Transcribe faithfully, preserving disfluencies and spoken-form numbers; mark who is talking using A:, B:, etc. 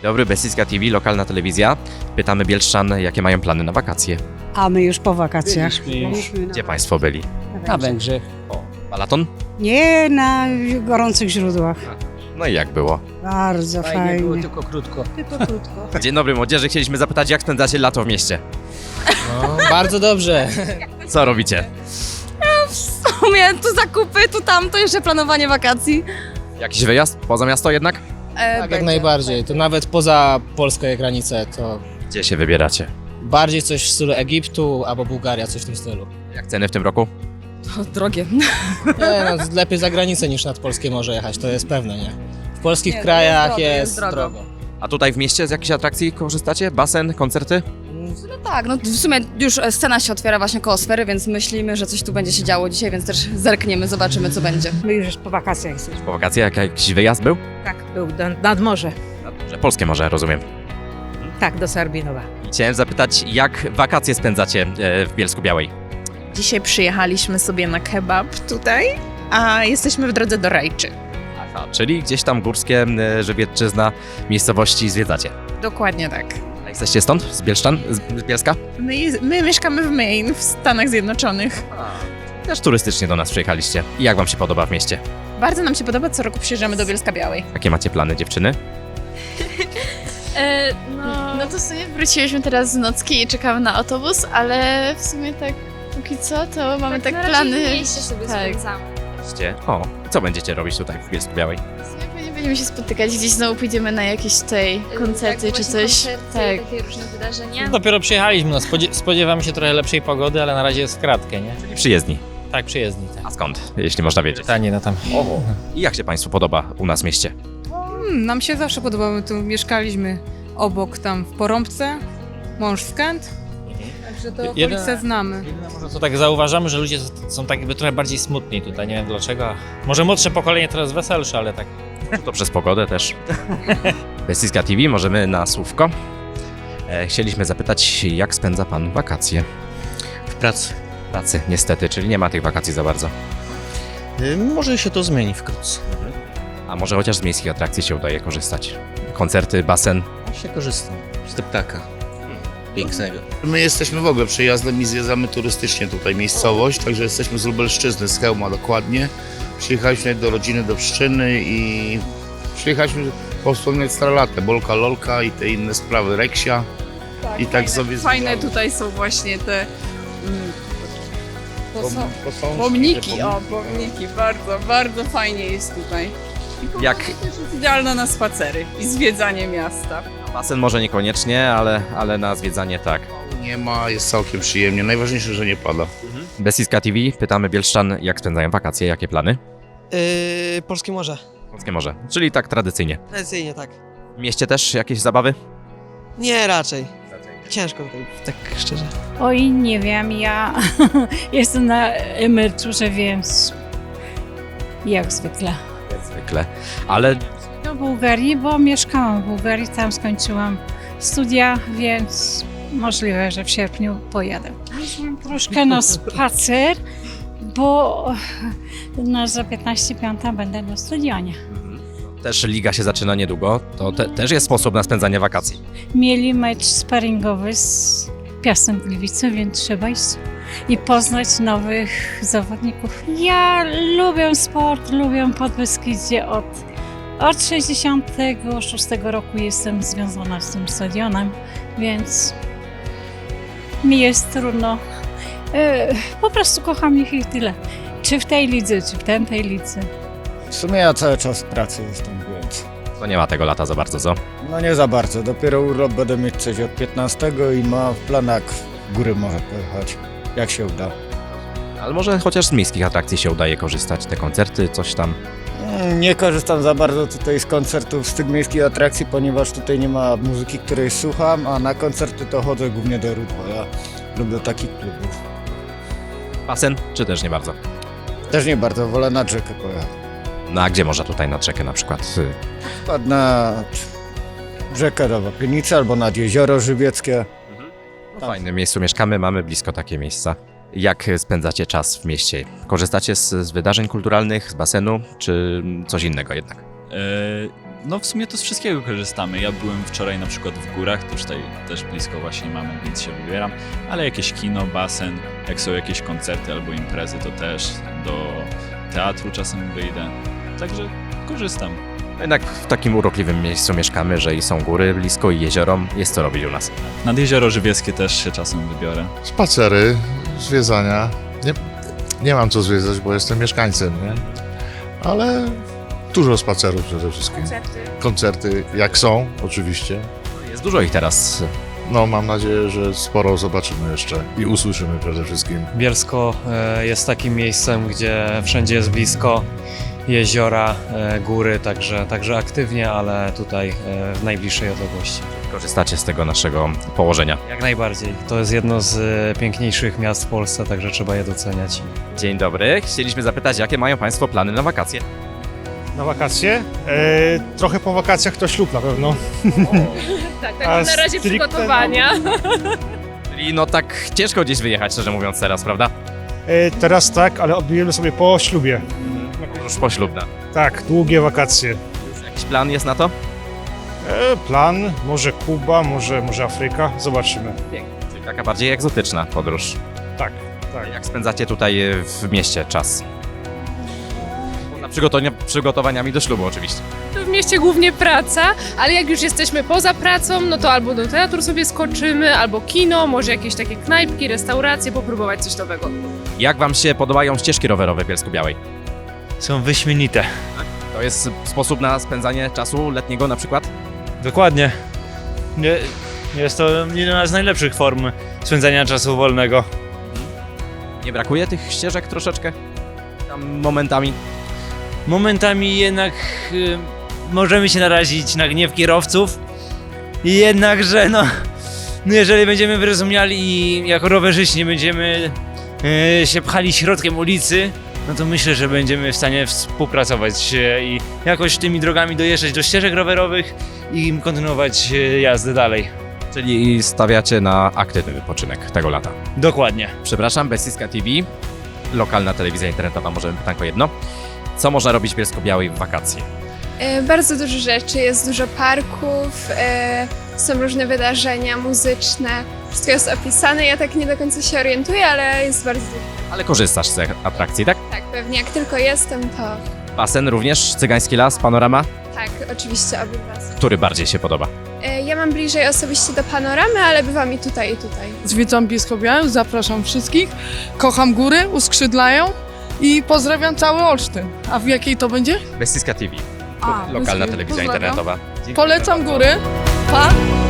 A: Dobry, Beskidzka T V, lokalna telewizja. Pytamy bielszczan, jakie mają plany na wakacje.
B: A my już po wakacjach.
A: Gdzie Państwo byli?
C: Na Węgrzech.
A: O, Balaton?
B: Nie, na gorących źródłach.
A: No i jak było?
B: Bardzo
C: Fajnie,
B: fajnie.
C: było, tylko krótko.
B: Tylko krótko.
A: Dzień dobry młodzieży, chcieliśmy zapytać, jak spędzacie lato w mieście?
C: No, bardzo dobrze.
A: Co robicie?
D: W sumie tu zakupy, tu tamto, jeszcze planowanie wakacji.
A: Jakiś wyjazd poza miasto jednak?
D: E,
C: Tak, jak najbardziej. To nawet poza polskie granice, to
A: Gdzie się wybieracie?
C: bardziej coś w stylu Egiptu albo Bułgaria, coś w tym stylu.
A: Jak ceny w tym roku?
D: To drogie.
C: Nie, no, lepiej za granicę niż nad polskie morze jechać, to jest pewne, nie? W polskich
D: Nie, to
C: krajach
D: jest drogo,
C: jest,
D: jest drogo.
C: drogo.
A: A tutaj w mieście z jakichś atrakcji korzystacie? Basen, koncerty?
D: No tak, no w sumie już scena się otwiera właśnie koło sfery, więc myślimy, że coś tu będzie się działo dzisiaj, więc też zerkniemy, zobaczymy co będzie.
B: My już po wakacjach jesteśmy.
A: Po wakacjach jakiś wyjazd był?
E: Tak, był do, nad morze.
A: Że polskie może, rozumiem.
E: Tak, do Sarbinowa.
A: Chciałem zapytać, jak wakacje spędzacie e, w Bielsku Białej?
F: Dzisiaj przyjechaliśmy sobie na kebab tutaj, a jesteśmy w drodze do Rajczy.
A: Aha, czyli gdzieś tam górskie, e, żywiecczyzna, miejscowości zwiedzacie.
F: Dokładnie tak.
A: A jesteście stąd? Z Bielszczan? Z z Bielska?
F: My, je- my mieszkamy w Maine, w Stanach Zjednoczonych.
A: Też turystycznie do nas przyjechaliście. I jak wam się podoba w mieście?
F: Bardzo nam się podoba, co roku przyjeżdżamy do Bielska Białej.
A: Jakie macie plany, dziewczyny?
G: E, no, no to w sumie wróciliśmy teraz z nocki i czekamy na autobus, ale w sumie tak póki co to mamy tak,
H: no
G: plany.
H: raczej w mieście sobie
G: tak.
H: spędzamy.
A: Iście. O, co będziecie robić tutaj w Bielsku Białej?
G: W sumie pewnie będziemy się spotykać, gdzieś znowu pójdziemy na jakieś tutaj koncerty
H: tak,
G: czy
H: właśnie
G: coś.
H: Koncerty,
G: Tak.
H: takie różne wydarzenia.
I: Dopiero przyjechaliśmy, no spodzie- spodziewamy się trochę lepszej pogody, ale na razie jest w kratkę, nie?
A: Czyli przyjezdni.
I: Tak, przyjezdni. Tak.
A: A skąd, jeśli można wiedzieć?
I: Pytanie na tam.
A: I jak się Państwu podoba u nas w mieście?
E: Hmm, nam się zawsze podobało, my tu mieszkaliśmy obok tam w Porąbce, mąż z Kęt, także to okolice
I: Jedyne-
E: znamy.
I: Jedyne może co tak zauważamy, że ludzie są tak jakby trochę bardziej smutni tutaj, nie wiem dlaczego. Może młodsze pokolenie teraz weselsze, ale tak.
A: To przez pogodę też. Beskidzka T V, możemy na słówko. E, chcieliśmy zapytać, jak spędza Pan wakacje?
J: W pracy.
A: Pracy, niestety, czyli nie ma tych wakacji za bardzo.
J: Y, Może się to zmieni wkrótce.
A: A może chociaż z miejskich atrakcji się udaje korzystać? Koncerty, basen.
J: Się korzystam z deptaka. Pięknego. My jesteśmy w ogóle przejazdem i zwiedzamy turystycznie tutaj miejscowość, także jesteśmy z Lubelszczyzny, z Chełma dokładnie. Przyjechaliśmy do rodziny, do Pszczyny i przyjechaliśmy powspominać stare lata, Bolka, Lolka i te inne sprawy, Reksia. I tak sobie
F: Fajne
J: zwiedzamy.
F: tutaj są właśnie te mm,
J: Pom- posążki,
F: pomniki,
J: te
F: o pomniki, bardzo, bardzo fajnie jest tutaj. I po
A: Jak-
F: prostu też jest idealna na spacery i zwiedzanie miasta.
A: Basen może niekoniecznie, ale, ale na zwiedzanie tak.
J: Nie ma, jest całkiem przyjemnie. Najważniejsze, że nie pada.
A: Beskidzka T V, pytamy bielszczan, jak spędzają wakacje, jakie plany?
C: Yy, Polskie Morze.
A: Polskie morze, czyli tak tradycyjnie.
C: Tradycyjnie tak.
A: W mieście też jakieś zabawy?
C: Nie, raczej. Ciężko tutaj, tak szczerze.
B: Oj, nie wiem, ja jestem na emeryturze, więc jak zwykle.
A: Jak zwykle. Ale
B: Do Bułgarii, bo mieszkałam w Bułgarii, tam skończyłam studia, więc możliwe, że w sierpniu pojadę. Wyszłam troszkę na spacer, bo na za piętnaście piąta będę na stadionie.
A: też liga się zaczyna niedługo, to te, też jest sposób na spędzanie wakacji.
B: Mieli mecz sparingowy z Piastem Gliwice, więc trzeba iść i poznać nowych zawodników. Ja lubię sport, lubię Podbeskidzie. Od, od sześćdziesiątego szóstego roku jestem związana z tym stadionem, więc mi jest trudno. E, po prostu kocham ich i tyle. Czy w tej lidze, czy w tamtej lidze.
K: W sumie ja cały czas w pracy jestem, więc
A: To nie ma tego lata za bardzo, co?
K: no nie za bardzo. Dopiero urlop będę mieć coś od piętnastego i mam w planach w góry może pojechać, jak się uda.
A: Ale może chociaż z miejskich atrakcji się udaje korzystać, te koncerty, coś tam.
K: Mm, Nie korzystam za bardzo tutaj z koncertów, z tych miejskich atrakcji, ponieważ tutaj nie ma muzyki, której słucham, a na koncerty to chodzę głównie do Rudła. Ja lubię takich klubów.
A: Basen, czy też nie bardzo?
K: Też nie bardzo, wolę nad rzekę pojechać.
A: No a gdzie można tutaj nad rzekę na przykład? Y,
K: Wpadł na rzekę do Wapienicy albo nad jezioro żywieckie.
A: W fajnym miejscu mieszkamy, mamy blisko takie miejsca. Jak spędzacie czas w mieście? Korzystacie z, z wydarzeń kulturalnych, z basenu, czy coś innego jednak?
L: E,
H: No w sumie to z wszystkiego korzystamy. Ja byłem wczoraj na przykład w górach, to już tutaj też blisko właśnie mamy, więc się wybieram. Ale jakieś kino, basen, jak są jakieś koncerty albo imprezy, to też do teatru czasem wyjdę. Także korzystam.
A: Jednak w takim urokliwym miejscu mieszkamy, że i są góry blisko i jezioro. Jest co robić u nas.
H: Nad Jezioro Żywieckie też się czasem wybiorę.
L: Spacery, zwiedzania. Nie, nie mam co zwiedzać, bo jestem mieszkańcem, nie? Ale dużo spacerów przede wszystkim.
F: Koncerty.
L: Koncerty, jak są, oczywiście.
A: Jest dużo ich teraz.
L: No, mam nadzieję, że sporo zobaczymy jeszcze i usłyszymy przede wszystkim.
M: Bielsko e, jest takim miejscem, gdzie wszędzie jest blisko, jeziora, e, góry, także, także aktywnie, ale tutaj e, w najbliższej odległości.
A: Korzystacie z tego naszego położenia.
M: Jak najbardziej. To jest jedno z e, piękniejszych miast w Polsce, także trzeba je doceniać.
A: Dzień dobry. Chcieliśmy zapytać, jakie mają Państwo plany na wakacje?
N: Na wakacje? E, trochę po wakacjach to ślub na pewno.
O: Tak,
N: A
O: tak na razie
N: stricte,
O: przygotowania.
A: Czyli no tak ciężko gdzieś wyjechać, szczerze mówiąc teraz, prawda?
N: E, teraz tak, ale odbijemy sobie po ślubie.
A: Już poślubna.
N: Tak, długie wakacje.
A: Już jakiś plan jest na to?
N: E, plan, może Kuba, może, może Afryka, zobaczymy.
A: Czyli taka bardziej egzotyczna podróż.
N: Tak, tak.
A: Jak spędzacie tutaj w mieście czas? Poza przygotowania, przygotowaniami do ślubu oczywiście.
O: W mieście głównie praca, ale jak już jesteśmy poza pracą, no to albo do teatru sobie skoczymy, albo kino, może jakieś takie knajpki, restauracje, popróbować coś nowego.
A: Jak Wam się podobają ścieżki rowerowe w Bielsku-Białej?
I: Są wyśmienite.
A: To jest sposób na spędzanie czasu letniego na przykład?
I: Dokładnie. Nie, jest to jedna z najlepszych form spędzania czasu wolnego.
A: Nie brakuje tych ścieżek troszeczkę? Tam momentami?
I: Momentami jednak y, możemy się narazić na gniew kierowców. Jednakże no, no jeżeli będziemy wyrozumiali i jako rowerzyści nie będziemy y, się pchali środkiem ulicy, no to myślę, że będziemy w stanie współpracować y, i jakoś tymi drogami dojeżdżać do ścieżek rowerowych i kontynuować y, jazdę dalej.
A: Czyli stawiacie na aktywny wypoczynek tego lata.
I: Dokładnie.
A: Przepraszam, Bestiska T V, lokalna telewizja internetowa, może pytanko jedno. Co można robić w Bielsko-Białej w wakacje?
P: E, bardzo dużo rzeczy, jest dużo parków, e, są różne wydarzenia muzyczne, wszystko jest opisane, ja tak nie do końca się orientuję, ale jest bardzo dużo.
A: Ale korzystasz z atrakcji, tak?
P: Tak, pewnie jak tylko jestem, to
A: Basen również, Cygański Las, Panorama.
P: tak, oczywiście obydwa.
A: Który bardziej się podoba?
P: E, ja mam bliżej osobiście do panoramy, ale bywam i tutaj, i tutaj.
Q: Zwiedzam Bielsko-Białą, zapraszam wszystkich, kocham góry, uskrzydlają i pozdrawiam cały Olsztyn. A w jakiej to będzie?
A: Bestiska T V,
Q: A,
A: lokalna
Q: bez-
A: telewizja
Q: pozdrawiam.
A: internetowa. Dziękuję
Q: Polecam
A: bardzo.
Q: góry. Pa!